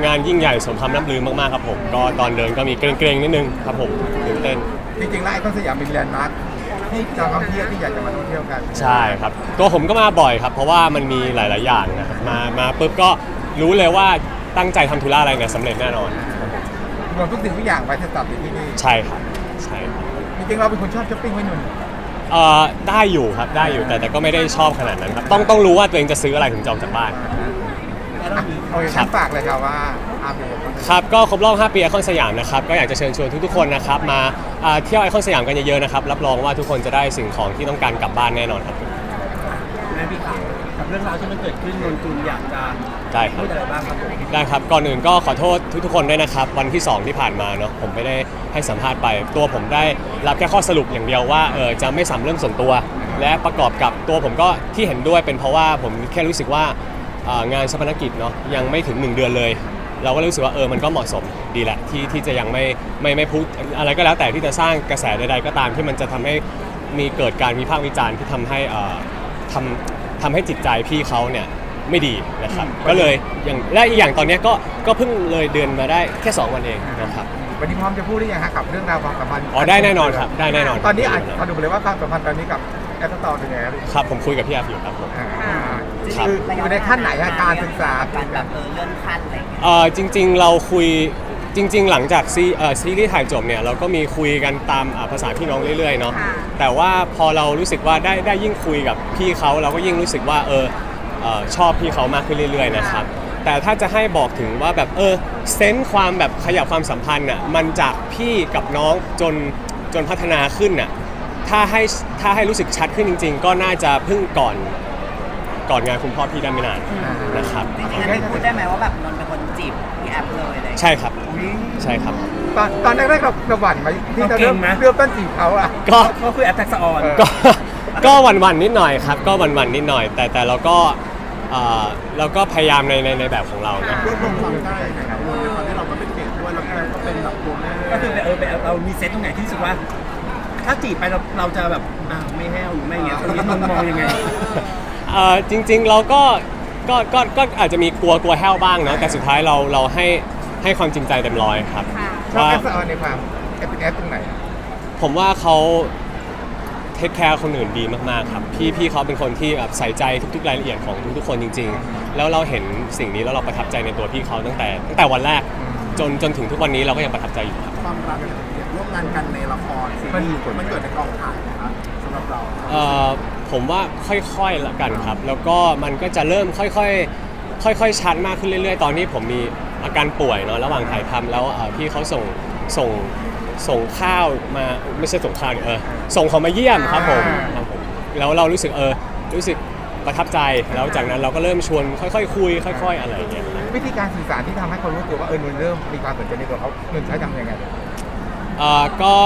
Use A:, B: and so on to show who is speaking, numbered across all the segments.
A: งานยิ่งใหญ่สมคำล่ำลือมากๆครับผมก็ตอนเดินก็มีเกรงๆนิดนึงครับผมตื่นเต้น
B: จริงๆแล้วไอคอนสยามเป็นแลนด์มาร์คที่ชาวท่องเที่ยวที่อยากจะมาท่องเที่ยวกัน
A: ใช่ครับตัวผมก็มาบ่อยครับเพราะว่ามันมีหลายๆอย่างนะครับมาปุ๊บก็รู้เลยว่าตั้งใจทำธุระอะไรเนี่ยสำเร็จแน่นอน
B: รวมทุกสิ่งทุกอย่างไปจะตัดอยู่ที่นี่
A: ใช่ครับใช่ครับ
B: จริงๆเราเป็นคนชอบช้อปปิ้งไว้หนุ่ม
A: ได้อยู่ครับได้อยู่แต่ก็ไม่ได้ชอบขนาดนั้นครับต้องรู้ว่าตัวเองจะซื้ออะไรถึงจะออกจากบ้าน
B: โอเคฝากเลยครับว่า
A: ครับก็ครบรอบ5 ปีไอคอนสยามนะครับก็อยากจะเชิญชวนทุกๆคนนะครับมาเที่ยวไอคอนสยามกันเยอะๆนะครับรับรองว่าทุกคนจะได้สิ่งของที่ต้องการกลับบ้านแน่นอนครับ
C: แม่พี่ครับกับเรื่องราวที่มันเกิดขึ้นนนจุนอยากจะ
A: ได้ครับ
C: พูดอะไรบ้างครับผม
A: ได้ครับก่อนอื่นก็ขอโทษทุกๆคนด้วยนะครับวันที่2ที่ผ่านมาเนาะผมไม่ได้ให้สัมภาษณ์ไปตัวผมได้รับแค่ข้อสรุปอย่างเดียวว่าจะไม่สัมเรื่องส่วนตัวและประกอบกับตัวผมก็ที่เห็นด้วยเป็นเพราะว่าผมแค่รู้สึกว่างานชาปนกิจเนาะยังไม่ถึง1 เดือนเลยเราก็รู้สึกว่ามันก็เหมาะสมดีแหละที่จะยังไม่พูดอะไรก็แล้วแต่ที่จะสร้างกระแสใดๆก็ตามที่มันจะทำให้มีเกิดการวิพากษ์วิจารณ์ที่ทำให้จิตใจพี่เขาเนี่ยไม่ดีนะครับก็เลยและอีกอย่างตอนนี้ก็เพิ่งเลยเดือนมาได้แค่2 วันเองนะครับ
B: วันนี้พร้อมจะพูดได้ยังฮะกับเรื่องราวความสัมพันธ์
A: ได้แน่นอนครับได้แน่นอน
B: ตอนนี้เขาดูเลยว่าความสัมพันธ์ตอนนี้กับแอปต่อเป็นไง
A: ครับผมคุยกับพี่แอฟอยู่ครับผม
B: คืออยู่ในขั้นไหนการศึกษา
D: การแบบเลื่อนขั้นอะไรอย่างเงี้ย
A: จริงๆเราคุยจริงๆหลังจากซีรีส์ถ่ายจบเนี่ยเราก็มีคุยกันตามภาษาพี่น้องเรื่อยๆเนาะแต่ว่าพอเรารู้สึกว่าได้ยิ่งคุยกับพี่เขาเราก็ยิ่งรู้สึกว่าชอบพี่เขามากขึ้นเรื่อยๆนะครับแต่ถ้าจะให้บอกถึงว่าแบบเซนส์ความแบบขยับความสัมพันธ์อ่ะมันจากพี่กับน้องจนพัฒนาขึ้นอ่ะถ้าให้รู้สึกชัดขึ้นจริงๆก็น่าจะเพิ่งก่อนงานคุณพ่อพี่ได้ไม่นานนะครับ
D: จริงๆพูดได้ไหมว่าแบบนนเป็นคนจีบพี่แอฟเลยอะไร
A: ใช่ครับใช่ครับ
B: ตอนแรกๆเราหวั่นไหมที่จะเริ่มต้นจีบเขาอ่ะ
C: ก็คือแอฟแท็กซ์ออน
A: ก็หวั่นนิดหน่อยครับก็หวั่นนิดหน่อยแต่เราก็พยายามในแบบของเรานะ
B: รวบรวมความได้นะครับตอนนี้เราก็เป็นเด็กด้วยแล้วก็เป็นแบบตัวแม่
C: ก็คือเรามีเซตตรงไหนที่รู้สึกว่าถ้าจีบไปเราจะแบบไม่แห้วหรือไม่เงี้ยตรงนี้มองยังไง
A: จริงๆเราก็อาจจะมีกลัวแห้วบ้างเนาะแต่สุดท้ายเราให้ความจริงใจเต็มร้อยครับ
B: ชอบแอปสออนในความเป็นแอปตรงไหน
A: ผมว่าเขาเทคแคร์คนอื่นดีมากๆครับพี่เขาเป็นคนที่แบบใส่ใจทุกๆรายละเอียดของทุกๆคนจริงๆแล้วเราเห็นสิ่งนี้แล้วเราประทับใจในตัวพี่เขาตั้งแต่วันแรกจนถึงทุกวันนี้เราก็ยังประทับใจอยู่ครับ
B: ความรักร่วมงานกันในละครซีรีส์มันเกิดในกองถ่ายนะครับสำหรับเรา
A: ผมว่าค่อยๆละกันครับแล้วก็มันก็จะเริ่มค่อยชัดมากขึ้นเรื่อยๆตอนนี้ผมมีอาการป่วยเนาะระหว่างถ่ายทำแล้วพี่เขาส่งข้าวมาไม่ใช่ส่งข้าวส่งเขามาเยี่ยมครับผมแล้วเรารู้สึกประทับใจแล้วจากนั้นเราก็เริ่มชวนค่อยๆคุยค่อยๆอะไรอย่างเงี้ย
B: วิธีการสื่อสารที่ทำให้คนรู้ตัวว่านนเริ่มมีความสนใจในตัวเขานนใช้ทำยังไง
A: ก็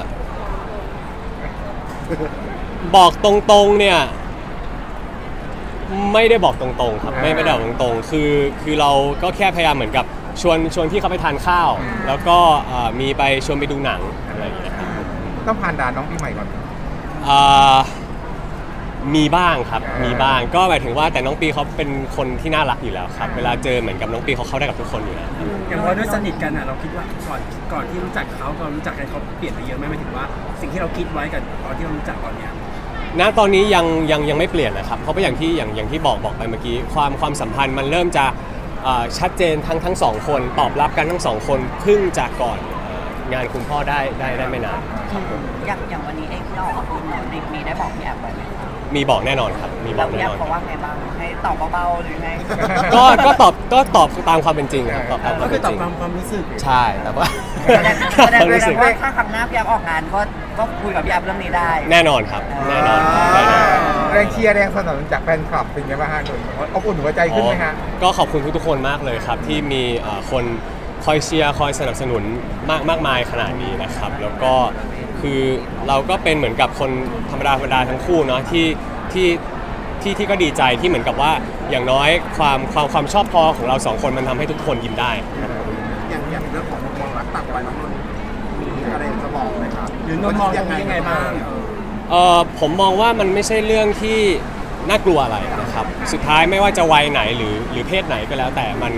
A: บอกตรงๆเนี่ยไม่ได้บอกตรงๆครับไม่ได้บอกตรงๆคือเราก็แค่พยายามเหมือนกับชวนที่เขาไปทานข้าวแล้วก็มีไปชวนไปดูหนังอะไรอย่างเงี้ย
B: ต้องผ่านด่านน้องปีใหม่ก่อน
A: มีบ้างครับมีบ้างก็หมายถึงว่าแต่น้องปีเขาเป็นคนที่น่ารักอยู่แล้วครับเวลาเจอเหมือนกับน้องปีเขาเข้าได้กับทุกคนอยู่แล้ว
C: อย่างพอด้วยสนิทกันเราคิดว่าก่อนที่รู้จักเขาตอนรู้จักกันเขาเปลี่ยนไปเยอะไหมหมายถึงว่าสิ่งที่เราคิดไว้กับตอนที่เรารู้จักตอนเนี้ย
A: ณตอนนี้ยังไม่เปลี่ยนนะครับเพราะว่าอย่างที่บอกไปเมื่อกี้ความสัมพันธ์มันเริ่มจะชัดเจนทั้งสองคนตอบรับกันทั้งสองคนเพิ่งจากก่อนงานคุณพ่อได้ไม่นาน
D: อย่างวันนี้เองที่เราออกมาพูดเนาะมีได้บอกพี่แอฟไว้ไหม
A: มีบอกแน่นอนครับมีบอกแน่นอน
D: เขาว่าไงบ้างให้ตอบเบาๆหรือไง
A: ก็ตอบตามความเป็นจริงครับ
C: ก็คือตอบความรู้สึก
A: ใช่แต่ว่า
D: แสดงว่าถ้าครั้งหน้าพี่แอฟออกงานก็คุยกับพี่แอฟเรื่องนี้ได้
A: แน่นอนครับแน่นอน
B: แรงเชียร์แรงสนับสนุนจากแฟนคลับเป็นไงบ้างฮะนนท์อบอุ่นหัวใจขึ้นไหมฮะ
A: ก็ขอบคุณทุกคนมากเลยครับที่มีคนคอยเชียร์คอยสนับสนุนมากมายขนาดนี้นะครับแล้วก็คือเราก็เป็นเหมือนกับคนธรรมดาทั้งคู่เนาะที่ก็ดีใจที่เหมือนกับว่าอย่างน้อยความชอบพอของเราสองคนมันทำให้ทุกคนยิ้มได้
B: อย่างเรื่องของมุมมองรักต่างวัยน้องนนท์มีอะไรจะบอกไหมครับ
C: หรือนนท์มองยังไงบ้าง
A: ผมมองว่ามันไม่ใช่เรื่องที่น่ากลัวอะไรนะครับสุดท้ายไม่ว่าจะวัยไหนหรือเพศไหนก็แล้วแต่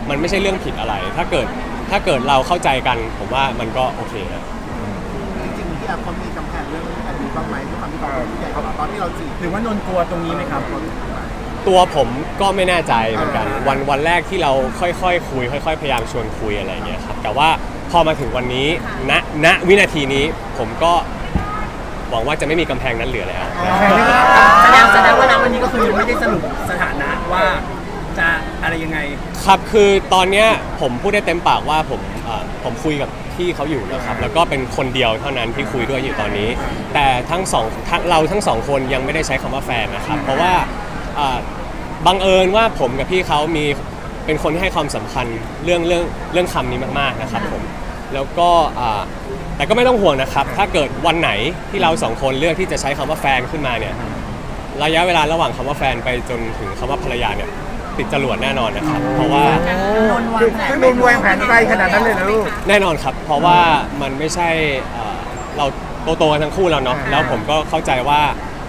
A: มันไม่ใช่เรื่องผิดอะไร ถ้าเกิดเราเข้าใจกันผมว่ามันก็โอเคนะ
E: จริงๆพี่แอฟเขามีกำแพงเรื่องอายุบ้างไหมด้วยความที่เขาเป็นผู้ใหญ่กว่าเราตอนที่เราจีบ
C: หรือว่านนท์กลัวตรงนี้ไหมครับ
A: ตัวผมก็ไม่แน่ใจเหมือนกันวันแรกที่เราค่อยๆคุยค่อยๆพยายามชวนคุยอะไรอย่างเงี้ยครับแต่ว่าพอมาถึงวันนี้ณวินาทีนี้ผมก็หวังว่าจะไม่มีกำแพงนั้นเหลือแล้ว
C: แสดงว่าณวันนี้ก็คือยังไม่ได้สรุปสถานะว่าจะอะไรยังไง
A: ครับคือตอนเนี้ยผมพูดได้เต็มปากว่าผมคุยกับพี่เขาอยู่นะครับแล้วก็เป็นคนเดียวเท่านั้นที่คุยด้วยอยู่ตอนนี้ แต่เราทั้งสองคนยังไม่ได้ใช้คำว่าแฟนนะครับเพราะว่าบังเอิญว่าผมกับพี่เขาเป็นคนที่ให้ความสำคัญเรื่องคำนี้มากๆนะครับผมแล้วก็แต่ก็ไม่ต้องห่วงนะครับถ้าเกิดวันไหนที่เราสองคนเลือกที่จะใช้คำว่าแฟนขึ้นมาเนี่ยระยะเวลาระหว่างคำว่าแฟนไปจนถึงคำว่าภรรยาเนี่ยติดจรวดแน่นอนนะครับเพราะว่า
B: คือนุ่นวางแผนไกลขนาดนั้นเลยนะลูก
A: แน่นอนครับเพราะว่ามันไม่ใช่เราโตกันทั้งคู่แล้วเนาะแล้วผมก็เข้าใจว่า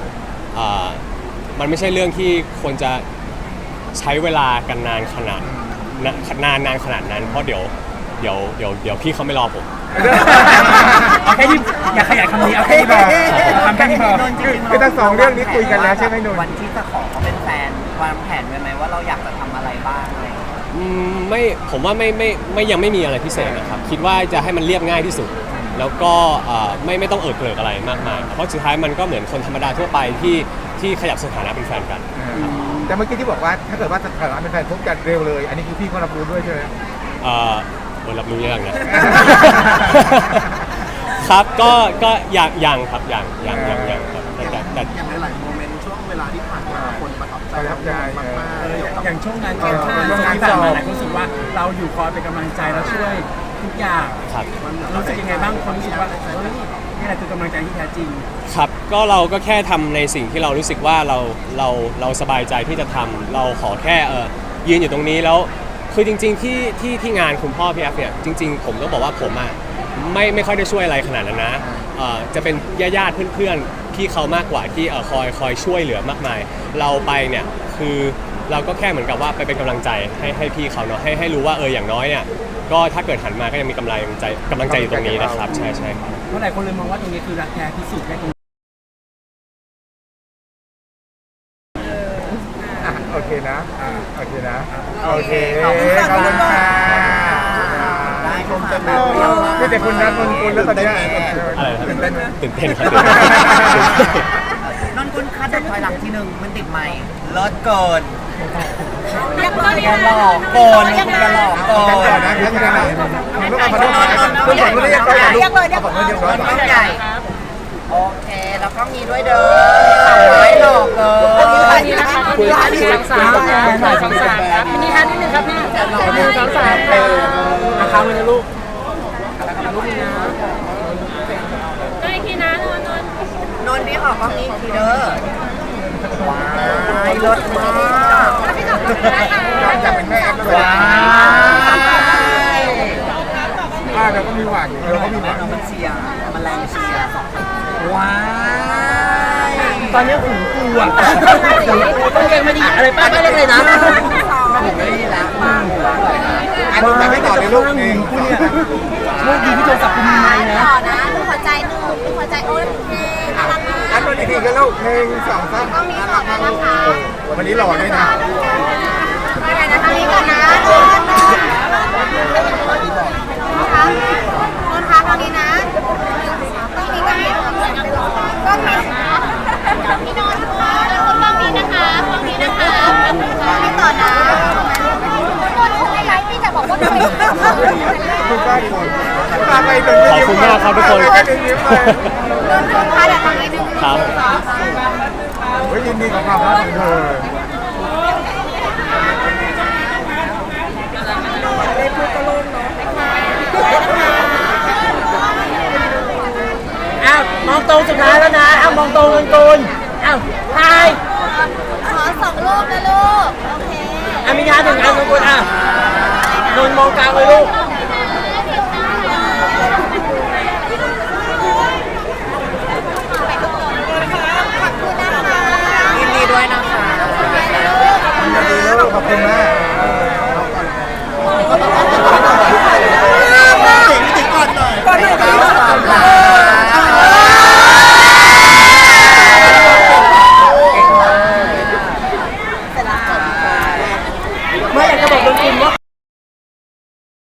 A: มันไม่ใช่เรื่องที่ควรจะใช้เวลากันนานขนาดนั้นเพราะเดี๋ยวพี่เขาไม่รอผม
C: เอาแค่นี้อย่าขยายคำนี้เอาแค่นี้พอทำแค่นี้พอ
B: คือทั้งสองเรื่องนี้คุยกันแล้วใช่ไหมนุ่น
D: วันที่จะขอเขาเป็นแฟนวางแผนไว้ไหมว่าเราอยากจะทำอะไรบ้างอะไรอย่างเงี้ย
A: ไม่ผมว่าไม่ยังไม่มีอะไรพิเศษนะครับคิดว่าจะให้มันเรียบง่ายที่สุด แล้วก็ไม่ต้องเอิดเกริกอะไรมากมายเพราะสุดท้ายมันก็เหมือนคนธรรมดาทั่วไปที่ขยับสถานะเป็นแฟนกัน
B: แต่เมื่อกี้ที่บอกว่าถ้าเกิดว่าสถานะเป็นแฟนพบกันเร็วเลย อันนี้คือพี่เขารับรู้ด้วยใช่ไหม
A: รับรู้ยังนะ ครับก็ยังครับยังครับแต่
E: อย่างหลายๆโมเมนต์ช่วงเวลาที่ผ่านมาคนประทับใจเรามากๆเกี่ยวกับ
C: อย่างช่วงนั้นช่วงที่ผ่านมาหลายคนรู้สึกว่าเราอยู่คอยเป็นกำลังใจเราช่วยทุกอย่าง
A: ครับ
C: รู้สึกยังไงบ้างคนรู้สึกว่าเฮ้ยนี่แหละคือกำลังใจที่แท้จริง
A: ครับก็เราก็แค่ทำในสิ่งที่เรารู้สึกว่าเราสบายใจที่จะทำเราขอแค่ยืนอยู่ตรงนี้แล้วคือจริงๆที่งานคุณพ่อพี่แอฟเนี่ยจริงๆผมต้องบอกว่าผมอ่ะไม่ค่อยได้ช่วยอะไรขนาดนั้นนะจะเป็นญาติเพื่อนๆพี่เขามากกว่าที่คอยช่วยเหลือมากมายเราไปเนี่ยคือเราก็แค่เหมือนกับว่าไปเป็นกำลังใจให้พี่เขาเนาะให้รู้ว่าอย่างน้อยเนี่ยก็ถ้าเกิดหันมาก็ยังมีกำลังใจอยู่ตรงนี้นะครับใช่ครับ
C: เพราะหลายคนเลยมองว่าตรงนี้คือรักแท้พิสูจน์ได้ตรง
B: โอเคนะโอเคนะโอเค
D: ขอบคุณค่ะ
B: ขอบคุณค่ะ
D: ได้ค่ะ
B: ไม่แต่คุณนะคุณแล้วตอนนี้
A: อะไรนะ
B: ตื่นเต้นไหม
A: ตื่นเต้นครับ
D: นนกุลคัดถอยหลังทีหนึ่งมันติดไหมเลิศเกิน
F: ยังไม่
D: อย่าหลอกโกนอย่าหลอกโก
B: กันก่อน
D: น
B: นะกันก่อนนะลูกเอามาลูกคุณผมไม่ได้ยังไงลูกเอาผมไม่เรียบร้อย
D: ต้องใหญ่โอเคแล้วก็มีด้วยเด้อสาวไม้หลอกเกิน
F: นี่นะคะพี่สามครับนี่ฮะนิดนึงครับพี่1 2 3นะครับมือนะลูกก็อีกทีนะนน
D: นนนี่ออกก็มีทีเด้อว้ายรถมาก
B: อยากเป็นแม่แอปด้วย
D: ว้าย
B: เราก็มีหวังเราก็มีหวัง
D: มันเชียร์มันแรงเชียร์ว้าย
C: ตอนนี้หูกูอ่ะต้องเก่งไม่ดีอะไรป้าไม่เล่นเลยนะ
D: ผมไม่ได้ละ
B: อันนี้จะไม่ต่อในลูกเอง
C: กูเนี่ยโชคดีที่โทรศัพท์กูมีไมค์นะ
F: ต่อนะดูหัวใจหนึ่งดูหัวใจโอ้ยน่ารักมาก
B: อันนี้ดีกันลูก1 2 3วันนี้หล่อด้วยนะ
F: ไปไหนนะทางนี้ก่อนนะนนท์คะทางนี้นะต้องมีกันก็มีพี่นนท์ค่ะแล้วคนฝั่งนี้นะคะฝั่งนี้นะคะพี่ต่อนะนนท์คุณไม่ไลฟ์พี่แต่บอกว่าด้วย
B: คุณป้าคนป้าไปโดน
A: ขอบคุณมากครับทุกคน
F: นนท์คะเดี๋ยวทางนี้หนึ่ง
A: ครับ
B: ยินดีกับความรักของเธอ
C: อ้าวมองตรงสุดท้ายแล้วนะอ้าวมองตรงกันกูนอ้าวทาย
F: ขอ2 รูปนะลูกโอเค
C: อามินาถึงอันกันกูนอ่ะนนมองกลางเลยลูก
D: ยินดีด้วยนะคะ
B: ยินดีลูกขอบคุณมาก
F: ข
C: ไม่อยากจะบอกนนกุลว่า